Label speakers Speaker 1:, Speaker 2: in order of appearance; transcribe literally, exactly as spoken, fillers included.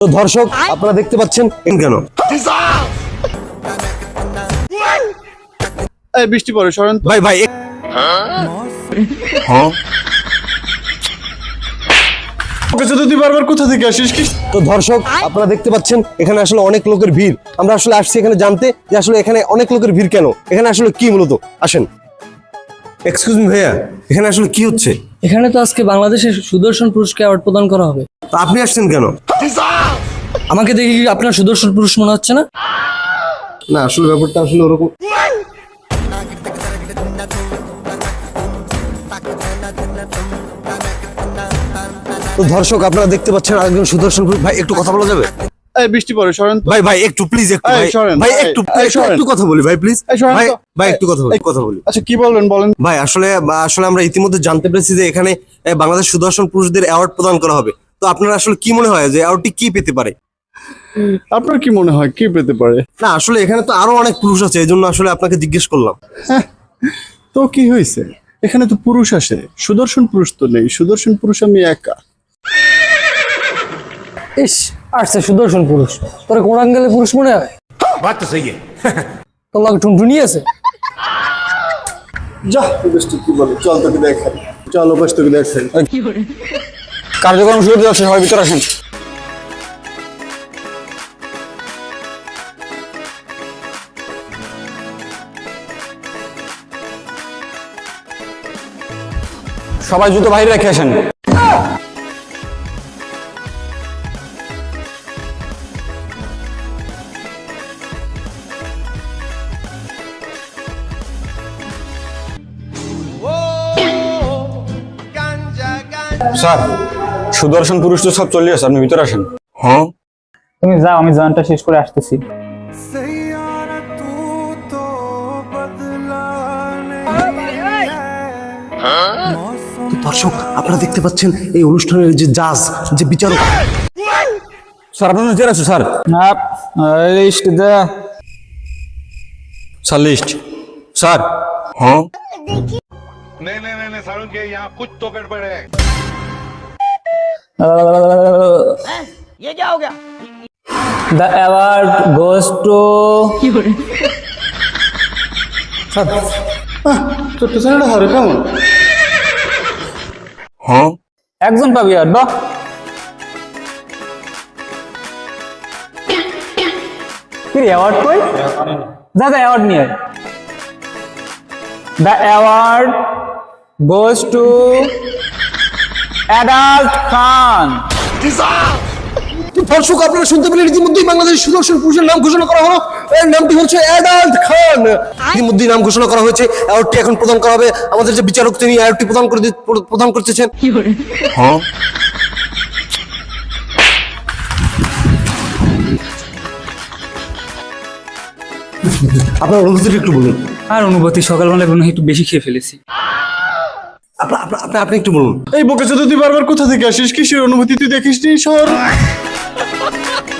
Speaker 1: তো দর্শক আপনারা দেখতে পাচ্ছেন কেন
Speaker 2: এই বৃষ্টি পড়ে সরেন তো।
Speaker 1: ভাই ভাই হ্যাঁ
Speaker 2: ওকে তো তুই বারবার কোথা থেকে আসিস কি?
Speaker 1: তো দর্শক আপনারা দেখতে পাচ্ছেন এখানে আসলে অনেক লোকের ভিড়। আমরা আসলে আসছি এখানে জানতে যে আসলে এখানে অনেক লোকের ভিড় কেন, এখানে আসলে কি মূলত। আসেন। এক্সকিউজ মি ভাইয়া, এখানে আসলে কি হচ্ছে?
Speaker 3: এখানে তো আজকে বাংলাদেশের সুদর্শন পুরুষকে অ্যাওয়ার্ড প্রদান করা হবে।
Speaker 1: তো আপনি আসছেন কেন?
Speaker 3: আমাকে দেখে কি আপনার সুদর্শন পুরুষ মনে হচ্ছে না?
Speaker 1: না আসলে ব্যাপারটা আসলে ওরকম। তো দর্শক আপনারা দেখতে পাচ্ছেন আরেকজন সুদর্শন পুরুষ। ভাই একটু কথা বলা যাবে?
Speaker 2: এই বৃষ্টি পড়ে সরেন তো।
Speaker 1: ভাই ভাই একটু প্লিজ একটু
Speaker 2: এই
Speaker 1: ভাই
Speaker 2: সরেন,
Speaker 1: ভাই
Speaker 2: এই,
Speaker 1: একটু
Speaker 2: এই
Speaker 1: একটু-
Speaker 2: সরেন।
Speaker 1: একটু কথা বলি ভাই প্লিজ
Speaker 2: এই সরেন
Speaker 1: ভাই
Speaker 2: তো।
Speaker 1: ভাই একটু কথা বলি
Speaker 2: এই,
Speaker 1: কথা বলি
Speaker 2: আচ্ছা কি বলবেন বলেন।
Speaker 1: ভাই আসলে আসলে আমরা ইতিমধ্যে জানতে পেরেছি যে এখানে এ, বাংলাদেশ সুদর্শন পুরুষদের অ্যাওয়ার্ড প্রদান করা হবে। তো আপনার আসলে কি মনে হয় যে অ্যাওয়ার্ডটি কি পেতে পারে?
Speaker 2: আপনার কি মনে হয় কি পেতে পারে?
Speaker 1: না আসলে এখানে তো আরো অনেক পুরুষ আছে, এই জন্য আসলে আপনাকে জিজ্ঞেস করলাম।
Speaker 2: তো কি হয়েছে, এখানে তো পুরুষ আসে, সুদর্শন পুরুষ তো নেই। সুদর্শন পুরুষ আমি একা।
Speaker 3: ইস, আসছে সুদর্শন পুরুষ। তোর কোন অ্যাঙ্গেলে পুরুষ মনে হয়?
Speaker 4: बात तो सही है।
Speaker 3: তোর লাগে টুনটুনি আছে।
Speaker 2: যা বৃষ্টি কি বলে, চল তোকে দেখাই, চল ওপাশ তোকে দেখাই।
Speaker 3: কার্যক্রম শুরু হতে যাচ্ছে, সবাই ভিতরে আসেন। সবাই জুতো বাইরে রেখে আসেন।
Speaker 5: স্যার সুদর্শন পুরুষ তো সব চলে আসে, আপনি ভিতরে আসেন।
Speaker 1: হ্যাঁ
Speaker 6: তুমি যাও, আমি জয়েন্টটা শেষ করে আসতেছি।
Speaker 1: তো দর্শক আপনারা দেখতে পাচ্ছেন এই অনুষ্ঠানের যে জাজ, যে বিচারক।
Speaker 5: স্যার আপনার ভিতরে আছে স্যার।
Speaker 6: না লিস্ট দে।
Speaker 5: Sir list sir.
Speaker 1: হ্যাঁ
Speaker 4: नहीं नहीं नहीं नहीं सारुण के यहाँ कुछ तो गड़बड़ है।
Speaker 6: The award goes to
Speaker 2: ছোট্ট ছেলেটা হারে কেমন?
Speaker 1: হ্যাঁ
Speaker 6: একজন পাবি আর বাহ। কি অ্যাওয়ার্ড কই? যা যা অ্যাওয়ার্ড নিয়ে আয়। The award goes to Adult Khan.
Speaker 1: দর্শক আপনারা শুনতে পেলেন ইতিমধ্যেই বাংলাদেশের সুদর্শন পুরুষের নাম ঘোষণা করা হলো। এর নামটি হচ্ছে অ্যাডাল্ট খান। ইতিমধ্যেই নাম ঘোষণা করা হয়েছে, অ্যাওয়ার্ডটি এখন প্রদান করা হবে। আমাদের যে বিচারক তিনি অ্যাওয়ার্ডটি প্রদান করে দি- প্রদান করতেছেন। হ্যাঁ আপনার অনুভূতিটা একটু বলুন।
Speaker 3: আর অনুভূতি, সকালবেলা মনে হয় একটু বেশি খেয়ে ফেলেছি।
Speaker 1: আপনি আপনি- আপনি আপনি একটু বলুন।
Speaker 2: এই বকে তো তুই বারবার কোথা থেকে আসিস? কিসের অনুভূতি তুই দেখিস নি? সর।